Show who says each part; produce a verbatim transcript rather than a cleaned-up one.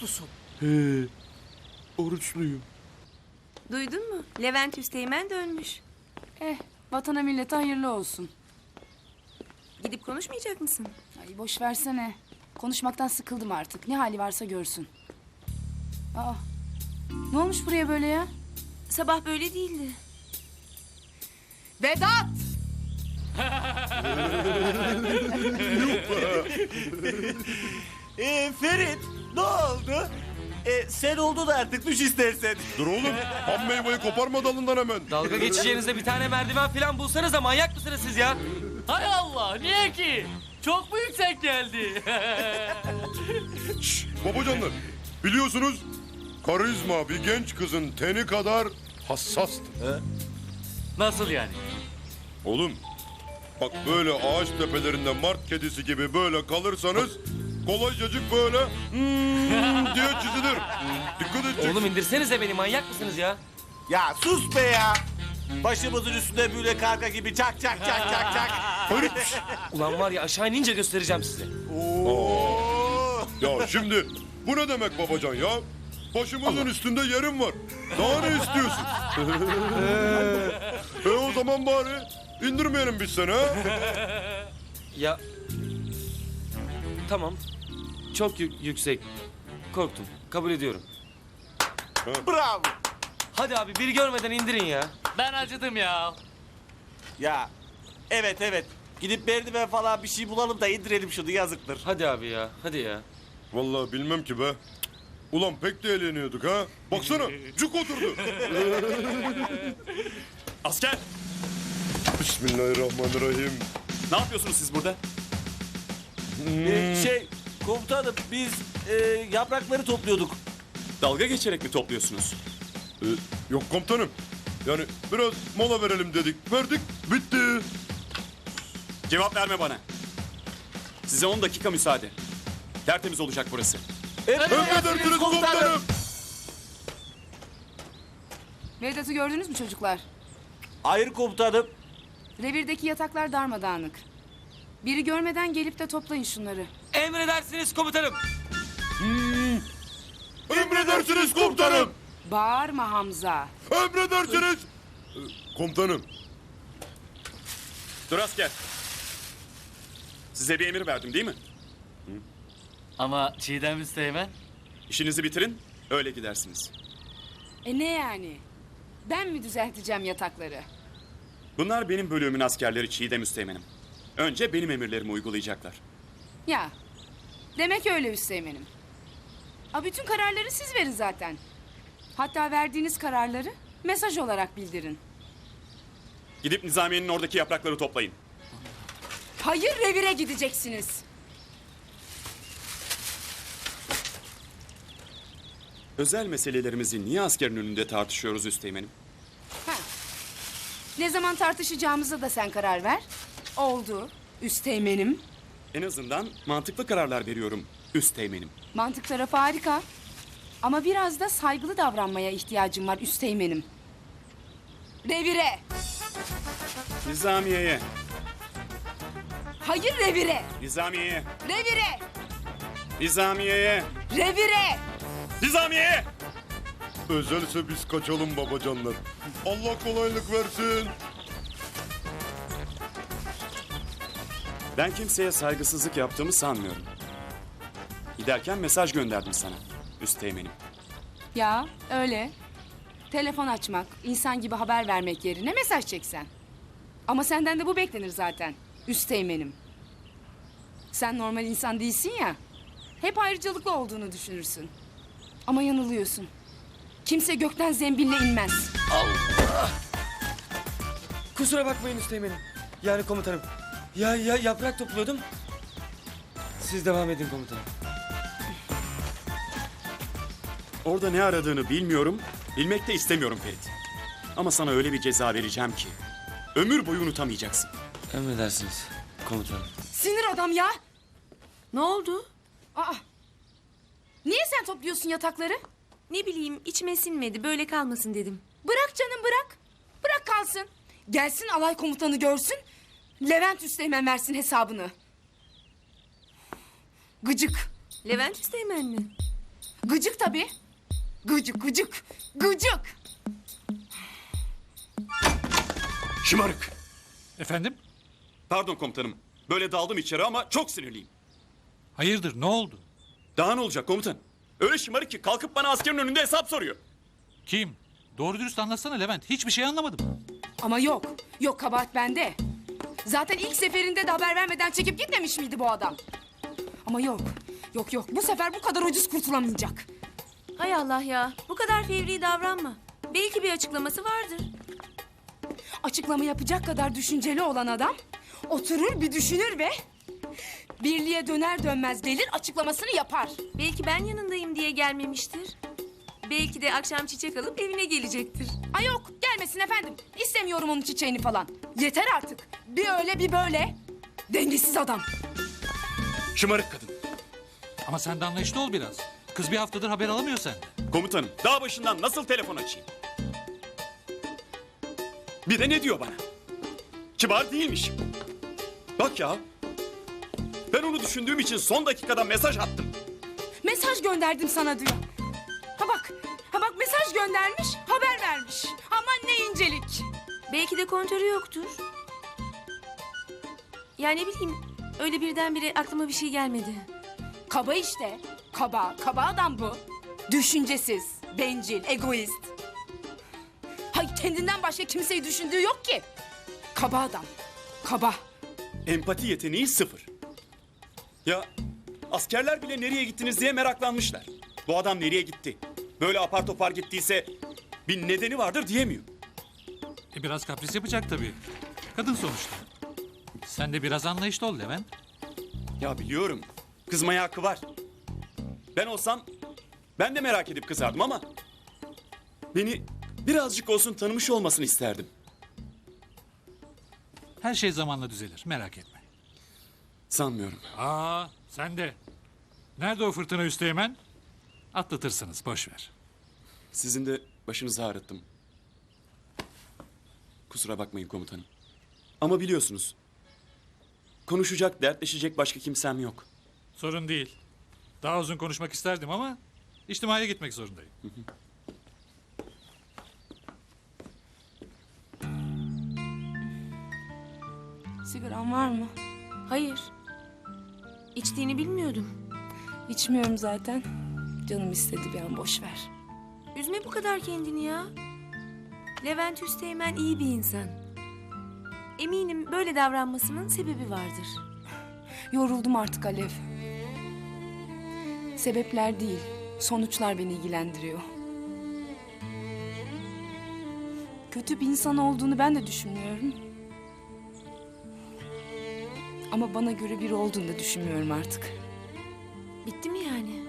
Speaker 1: oruçlusun.
Speaker 2: He, oruçluyum.
Speaker 3: Duydun mu? Levent Üsteğmen dönmüş.
Speaker 4: Eh, vatana millete hayırlı olsun.
Speaker 3: Gidip konuşmayacak mısın?
Speaker 4: Ay boş versene. Konuşmaktan sıkıldım artık. Ne hali varsa görsün. Aa, ne olmuş buraya böyle ya?
Speaker 3: Sabah böyle değildi.
Speaker 4: Vedat!
Speaker 1: Ee, Ferit ne oldu? Ee, sen oldun artık düş istersen.
Speaker 2: Dur oğlum, ham meyveyi koparma dalından hemen.
Speaker 5: Dalga geçeceğinize bir tane merdiven falan bulsanız da manyak mısınız siz ya?
Speaker 6: Hay Allah, niye ki? Çok mu yüksek geldi?
Speaker 2: Şşş, babacanlar, biliyorsunuz karizma bir genç kızın teni kadar hassastır.
Speaker 6: Nasıl yani?
Speaker 2: Oğlum, bak böyle ağaç tepelerinde mart kedisi gibi böyle kalırsanız kolaycacık böyle hmm diye çizilir. Dikkat edeceksin.
Speaker 5: Oğlum indirsenize beni, manyak mısınız ya?
Speaker 1: Ya sus be ya. Başımızın üstünde böyle karga gibi çak çak çak çak çak.
Speaker 2: Ferit, şşş.
Speaker 5: Ulan var ya, aşağı inince göstereceğim size.
Speaker 1: Oo.
Speaker 2: Ya şimdi bu ne demek babacan ya? Başımızın üstünde yerim var. Daha ne istiyorsun? e o zaman bari indirmeyelim biz seni ha?
Speaker 5: Ya... Tamam. Çok yü- yüksek. Korktum. Kabul ediyorum.
Speaker 1: Bravo.
Speaker 5: Hadi abi, biri görmeden indirin ya.
Speaker 6: Ben acıdım ya.
Speaker 1: Ya evet evet. Gidip merdiven falan bir şey bulalım da indirelim şunu yazıktır.
Speaker 5: Hadi abi ya, hadi ya.
Speaker 2: Vallahi bilmem ki be. Ulan pek de eğleniyorduk ha. Baksana cuk oturdu.
Speaker 7: Asker,
Speaker 2: Bismillahirrahmanirrahim.
Speaker 7: ne yapıyorsunuz siz burada?
Speaker 1: Ee, şey komutanım biz e, yaprakları topluyorduk.
Speaker 7: Dalga geçerek mi topluyorsunuz?
Speaker 2: Ee, yok komutanım. Yani biraz mola verelim dedik. Verdik, bitti.
Speaker 7: Cevap verme bana. Size on dakika müsaade. Tertemiz olacak burası.
Speaker 2: Emredersiniz komutanım.
Speaker 4: Vedat'ı gördünüz mü çocuklar?
Speaker 1: Hayır komutanım.
Speaker 4: Revirdeki yataklar darmadağınık. Biri görmeden gelip de toplayın şunları.
Speaker 5: Emredersiniz komutanım.
Speaker 2: Emredersiniz komutanım.
Speaker 4: Bağırma Hamza.
Speaker 2: Emredersiniz. Ee, komutanım.
Speaker 7: Dur asker. Size bir emir verdim değil mi?
Speaker 6: Ama Çiğdem Üsteğmen.
Speaker 7: İşinizi bitirin, öyle gidersiniz.
Speaker 4: E ne yani? Ben mi düzelteceğim yatakları?
Speaker 7: Bunlar benim bölümümün askerleri Çiğdem Üsteğmen'im. Önce benim emirlerimi uygulayacaklar.
Speaker 4: Ya, demek öyle Üsteğmen'im. A bütün kararları siz verin zaten. Hatta verdiğiniz kararları mesaj olarak bildirin.
Speaker 7: Gidip Nizamiye'nin oradaki yaprakları toplayın.
Speaker 4: Hayır, revire gideceksiniz.
Speaker 7: Özel meselelerimizi niye askerin önünde tartışıyoruz Üsteğmen'im?
Speaker 4: Ha. Ne zaman tartışacağımıza da sen karar ver. Oldu, Üsteğmen'im.
Speaker 7: En azından mantıklı kararlar veriyorum Üsteğmen'im.
Speaker 4: Mantık tarafı harika. Ama biraz da saygılı davranmaya ihtiyacım var Üsteğmen'im. Revire.
Speaker 7: Nizamiye'ye,
Speaker 4: Hayır, revire.
Speaker 7: Nizamiye'ye,
Speaker 4: Revire.
Speaker 7: Nizamiye'ye,
Speaker 4: Revire.
Speaker 7: Nizamiye'ye!
Speaker 2: Özelse biz kaçalım babacanlar. Allah kolaylık versin.
Speaker 7: Ben kimseye saygısızlık yaptığımı sanmıyorum. Giderken mesaj gönderdim sana Üsteğmen'im.
Speaker 4: Ya öyle. Telefon açmak, insan gibi haber vermek yerine mesaj çeksen. Ama senden de bu beklenir zaten. Üsteğmen'im. Sen normal insan değilsin ya. Hep ayrıcalıklı olduğunu düşünürsün. Ama yanılıyorsun. Kimse gökten zembille inmez.
Speaker 5: Kusura bakmayın Üsteğmen'im. Yani komutanım. Ya, ya yaprak topluyordum. Siz devam edin komutanım.
Speaker 7: Orada ne aradığını bilmiyorum, bilmek de istemiyorum Ferit. Ama sana öyle bir ceza vereceğim ki ömür boyu unutamayacaksın.
Speaker 5: Emredersiniz komutanım.
Speaker 4: Sinir adam ya.
Speaker 3: Ne oldu?
Speaker 4: Aa. Niye sen topluyorsun yatakları?
Speaker 3: Ne bileyim, içime sinmedi. Böyle kalmasın dedim.
Speaker 4: Bırak canım, bırak. Bırak kalsın. Gelsin alay komutanı görsün. Levent Üsteğmen versin hesabını. Gıcık.
Speaker 3: Levent Üsteğmen mi?
Speaker 4: Gıcık tabii. Gıcık, gıcık, gıcık.
Speaker 7: Şımarık.
Speaker 8: Efendim?
Speaker 7: Pardon komutanım. Böyle daldım içeri ama çok sinirliyim.
Speaker 8: Hayırdır ne oldu?
Speaker 7: Daha ne olacak komutan? Öyle şımarık ki kalkıp bana askerin önünde hesap soruyor.
Speaker 8: Kim? Doğru dürüst anlatsana Levent. Hiçbir şey anlamadım.
Speaker 4: Ama yok, yok kabahat bende. Zaten ilk seferinde de haber vermeden çekip gitmemiş miydi bu adam? Ama yok, yok yok bu sefer bu kadar ucuz kurtulamayacak.
Speaker 3: Hay Allah ya. Bu kadar fevri davranma. Belki bir açıklaması vardır.
Speaker 4: Açıklama yapacak kadar düşünceli olan adam oturur bir düşünür ve birliğe döner dönmez gelir açıklamasını yapar.
Speaker 3: Belki ben yanındayım diye gelmemiştir. Belki de akşam çiçek alıp evine gelecektir.
Speaker 4: Ay yok gelmesin efendim. İstemiyorum onun çiçeğini falan. Yeter artık. Bir öyle bir böyle. Dengesiz adam.
Speaker 7: Şımarık kadın.
Speaker 8: Ama sen de anlayışlı ol biraz. Kız bir haftadır haber alamıyor senden.
Speaker 7: Komutanım dağ başından nasıl telefon açayım? Bir de ne diyor bana? Kibar değilmişim. Bak ya. Ben onu düşündüğüm için son dakikada mesaj attım.
Speaker 4: Mesaj gönderdim sana diyor. Ha bak. Ha bak mesaj göndermiş, haber vermiş. Aman ne incelik.
Speaker 3: Belki de kontörü yoktur. Yani ne bileyim öyle birdenbire aklıma bir şey gelmedi.
Speaker 4: Kaba işte. Kaba, kaba adam bu. Düşüncesiz, bencil, egoist. Hay kendinden başka kimseyi düşündüğü yok ki. Kaba adam. Kaba.
Speaker 7: Empati yeteneği sıfır. Ya askerler bile nereye gittiniz diye meraklanmışlar. Bu adam nereye gitti? Böyle apar topar gittiyse bir nedeni vardır diyemiyor.
Speaker 8: E biraz kapris yapacak tabii. Kadın sonuçta. Sen de biraz anlayışlı ol Levent.
Speaker 7: Ya biliyorum. Kızmaya hakkı var. Ben olsam ben de merak edip kızardım ama beni birazcık olsun tanımış olmasını isterdim.
Speaker 8: Her şey zamanla düzelir merak etme.
Speaker 7: Sanmıyorum.
Speaker 8: Aa sen de. Nerede o fırtına Üsteğmen? Atlatırsınız boş ver.
Speaker 7: Sizin de başınızı ağrıttım. Kusura bakmayın komutanım. Ama biliyorsunuz. Konuşacak, dertleşecek başka kimsem yok.
Speaker 8: Sorun değil. Daha uzun konuşmak isterdim ama içtimaya gitmek zorundayım.
Speaker 4: Sigaran var mı?
Speaker 3: Hayır. İçtiğini bilmiyordum.
Speaker 4: İçmiyorum zaten. Canım istedi bir an boş ver.
Speaker 3: Üzme bu kadar kendini ya. Levent Üsteğmen iyi bir insan. Eminim böyle davranmasının sebebi vardır.
Speaker 4: Yoruldum artık Alev. Sebepler değil, sonuçlar beni ilgilendiriyor. Kötü bir insan olduğunu ben de düşünmüyorum. Ama bana göre biri olduğunu da düşünmüyorum artık.
Speaker 3: Bitti mi yani?